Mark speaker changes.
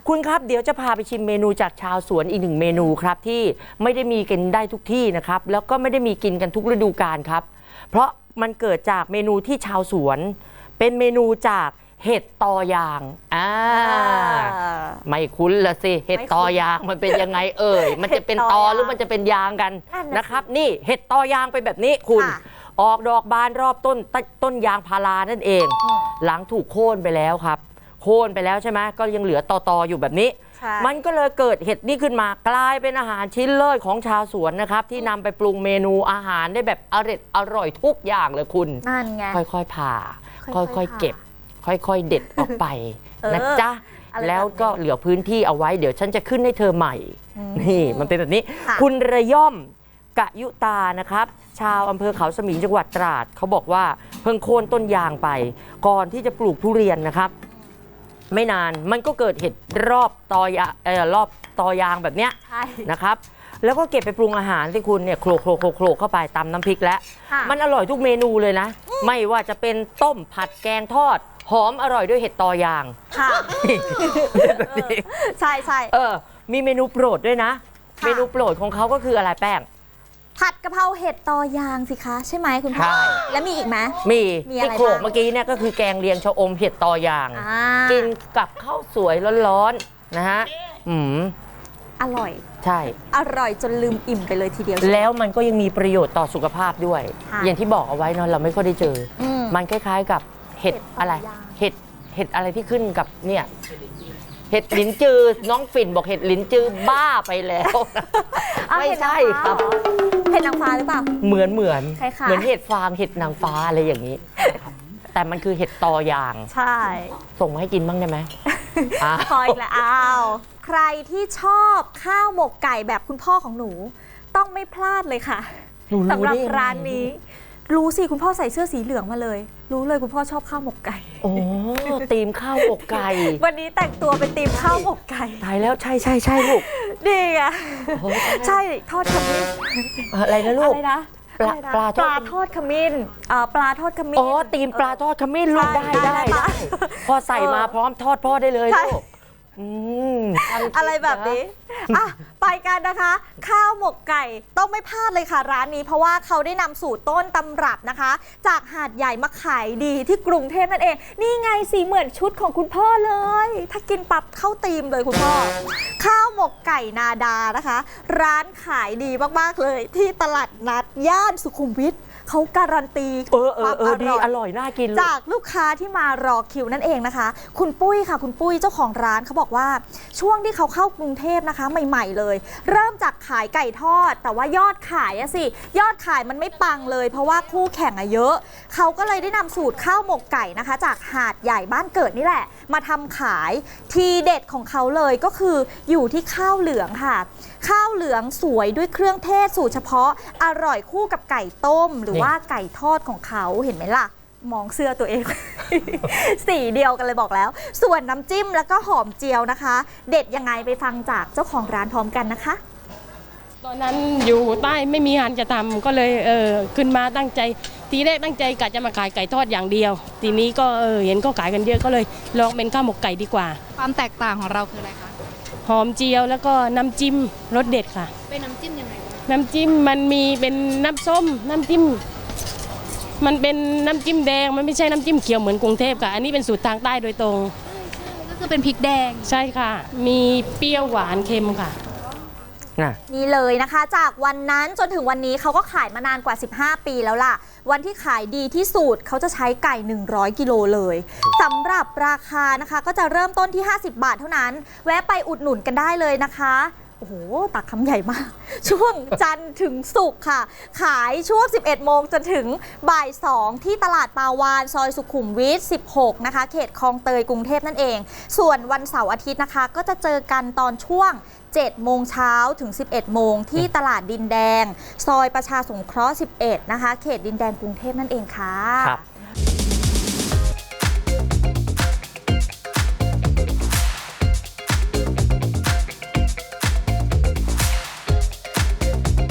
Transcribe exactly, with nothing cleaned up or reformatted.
Speaker 1: คุณครับเดี๋ยวจะพาไปชิมเมนูจากชาวสวนอีกหนึ่งเมนูครับที่ไม่ได้มีกินได้ทุกที่นะครับแล้วก็ไม่ได้มีกินกันทุกฤดูกาลครับเพราะมันเกิดจากเมนูที่ชาวสวนเป็นเมนูจากเห็ดตอยางอ่าไม่คุ้นละสิเห็ดตอยางมันเป็นยังไงเอ่ยมันจะเป็นตอหรือมันจะเป็นยางกันนะครับนี่เห็ดตอยางเป็นแบบนี้คุณออกดอกบานรอบต้นต้นยางพารานั่นเองหลังถูกโค่นไปแล้วครับโค่นไปแล้วใช่ไหมก็ยังเหลือตอตออยู่แบบนี้มันก็เลยเกิดเห็ดนี่ขึ้นมากลายเป็นอาหารชิ้นเลิศของชาวสวนนะครับที่นำไปปรุงเมนูอาหารได้แบบอร่อยอร่อยทุกอย่างเลยคุณ
Speaker 2: นั่นไง
Speaker 1: ค่อยๆผ่าค่อยๆเก็บค่อยๆเด็ดออกไปนะจ๊ะแล้วก็เหลือพื้นที่เอาไว้เดี๋ยวฉันจะขึ้นให้เธอใหม่นี่มันเป็นแบบนี้คุณระย่อมกะยุตานะครับชาวอำเภอเขาสมิงจังหวัดตราดเขาบอกว่าเพิ่งโค่นต้นยางไปก่อนที่จะปลูกทุเรียนนะครับไม่นานมันก็เกิดเห็ดรอบตอยางเออรอบตอยางแบบเนี้ยนะครับแล้วก็เก็บไปปรุงอาหารที่คุณเนี่ยโขลกโขลกโขลกเข้าไปตำน้ำพริกแล้วมันอร่อยทุกเมนูเลยนะไม่ว่าจะเป็นต้มผัดแกงทอดหอมอร่อยด้วยเห็ดตอยาง
Speaker 2: ค่ะใช่ใช่
Speaker 1: เออมีเมนูโปรดด้วยนะเมนูโปรดของเขาก็คืออะไรแป้ง
Speaker 2: ผัดกะเพราเห็ดตอยางสิคะใช่ไหมคุณพ่อแล้วมีอีกไหม
Speaker 1: มีที่โขลกเมื่อกี้เนี่ยก็คือแกงเลียงชะอมเห็ดตอยางกินกับข้าวสวยร้อนๆนะฮะอืม
Speaker 2: อร่อย
Speaker 1: ใช่
Speaker 2: อร่อยจนลืมอิ่มไปเลยทีเดียว
Speaker 1: แล้วมันก็ยังมีประโยชน์ต่อสุขภาพด้วยอย่างที่บอกเอาไว้เนาะเราไม่ค่อยได้เจอมันคล้ายๆกับเห็ดอะไรเห็ดเห็ดอะไรที่ขึ้นกับเนี่ยเห็ดลิ้นจือน้องฝิ่นบอกเห็ดลิ้นจือบ้าไปแล้วไม่ใช่ครับ
Speaker 2: เห็ดนางฟ้าหรือเปล่า
Speaker 1: เหมือนเหมือนเหมือนเห็ดฟางเห็ดนางฟ้าอะไรอย่างนี้แต่มันคือเห็ดตอยาง
Speaker 2: ใช่
Speaker 1: ส่งมาให้กินบ้างได้ไหม
Speaker 2: พออีกแล้วอ้าวใครที่ชอบข้าวหมกไก่แบบคุณพ่อของหนูต้องไม่พลาดเลยค่ะสำหรับร้านนี้รู้สิคุณพ่อใส่เสื้อสีเหลืองมาเลยรู้เลยคุณพ่อชอบข้าวหมกไก่
Speaker 1: โอ้ตีมข้าวหมกไก่
Speaker 2: วันนี้แต่งตัวเป็นตีมข้าวหมกไก่
Speaker 1: ตายแล้วใช่ใช่ใช่ลูก
Speaker 2: ดีอ่ะใช่ทอดขมิ้น
Speaker 1: อะไรนะลูก
Speaker 2: อะไรนะ
Speaker 1: ปลาปลา
Speaker 2: ปลาทอดขมิ้นปลาทอดขมิ้น
Speaker 1: อ๋อตีมปลาทอดขมิ้นลูกได้ได้ได้พอใส่มาพร้อมทอดพ่อได้เลยลูก
Speaker 2: อะไรแบบนี้อ่ะไปกันนะคะข้าวหมกไก่ต้องไม่พลาดเลยค่ะร้านนี้เพราะว่าเขาได้นำสูตรต้นตำรับนะคะจากหาดใหญ่มาขายดีที่กรุงเทพนั่นเองนี่ไงสีเหมือนชุดของคุณพ่อเลยถ้ากินปั๊บเข้าตีมเลยคุณพ่อข้าวหมกไก่นาดานะคะร้านขายดีมากๆเลยที่ตลาดนัดย่านสุขุมวิทเขาการันตี
Speaker 1: ความอร่อยอร่อยน่ากิน
Speaker 2: จากลูกค้าที่มารอคิวนั่นเองนะคะคุณปุ้ยค่ะคุณปุ้ยเจ้าของร้านเขาบอกว่าช่วงที่เขาเข้ากรุงเทพนะคะใหม่ๆเลยเริ่มจากขายไก่ทอดแต่ว่ายอดขายอะสิยอดขายมันไม่ปังเลยเพราะว่าคู่แข่งอะเยอะเขาก็เลยได้นำสูตรข้าวหมกไก่นะคะจากหาดใหญ่บ้านเกิดนี่แหละมาทำขายทีเด็ดของเขาเลยก็คืออยู่ที่ข้าวเหลืองค่ะข้าวเหลืองสวยด้วยเครื่องเทศสูตรเฉพาะอร่อยคู่กับไก่ต้มหรือว่าไก่ทอดของเขาเห็นไหมล่ะมองเสื้อตัวเอง สีเดียวกันเลยบอกแล้วส่วนน้ำจิ้มแล้วก็หอมเจียวนะคะเด็ดยังไงไปฟังจากเจ้าของร้านพร้อมกันนะคะ
Speaker 3: ตอนนั้นอยู่ใต้ไม่มีงานจะทำก็เลยเออขึ้นมาตั้งใจทีแรกตั้งใจกะจะมาขายไก่ทอดอย่างเดียวทีนี้ก็เออเห็นก็ขายกันเยอะก็เลยลองเป็นข้าวหมกไก่ดีกว่า
Speaker 4: ความแตกต่างของเราคืออะไรคะ
Speaker 3: หอมเจียวแล้วก็น้ำจิ้มรสเด็ดค่ะ
Speaker 4: เป็นน้ำจิ้มยังไง
Speaker 3: น้ำจิ้มมันมีเป็นน้ำส้มน้ำจิ้มมันเป็นน้ำจิ้มแดงมันไม่ใช่น้ำจิ้มเขียวเหมือนกรุงเทพค่ะอันนี้เป็นสูตรทางใต้โดยตรง
Speaker 4: ก็คือเป็นพริกแดง
Speaker 3: ใช่ค่ะมีเปรี้ยวหวานเค็มค่ะ
Speaker 2: นี่เลยนะคะจากวันนั้นจนถึงวันนี้เขาก็ขายมานานกว่าสิบห้าปีแล้วล่ะวันที่ขายดีที่สุดเขาจะใช้ไก่หนึ่งร้อยกิโลเลยสำหรับราคานะคะก็จะเริ่มต้นที่ห้าสิบบาทเท่านั้นแวะไปอุดหนุนกันได้เลยนะคะโอ้โหตักคำใหญ่มากช่วงจันทร์ถึงศุกร์ค่ะขายช่วงสิบเอ็ดโมงจนถึงบ่ายสองที่ตลาดปาวานซอยสุขุมวิทสิบหกนะคะเขตคลองเตยกรุงเทพนั่นเองส่วนวันเสาร์อาทิตย์นะคะก็จะเจอกันตอนช่วงเจ็ดโมงเช้าถึงสิบเอ็ดโมงที่ตลาดดินแดงซอยประชาสงเคราะห์สิบเอ็ดนะคะเขตดินแดงกรุงเทพนั่นเองค่ะ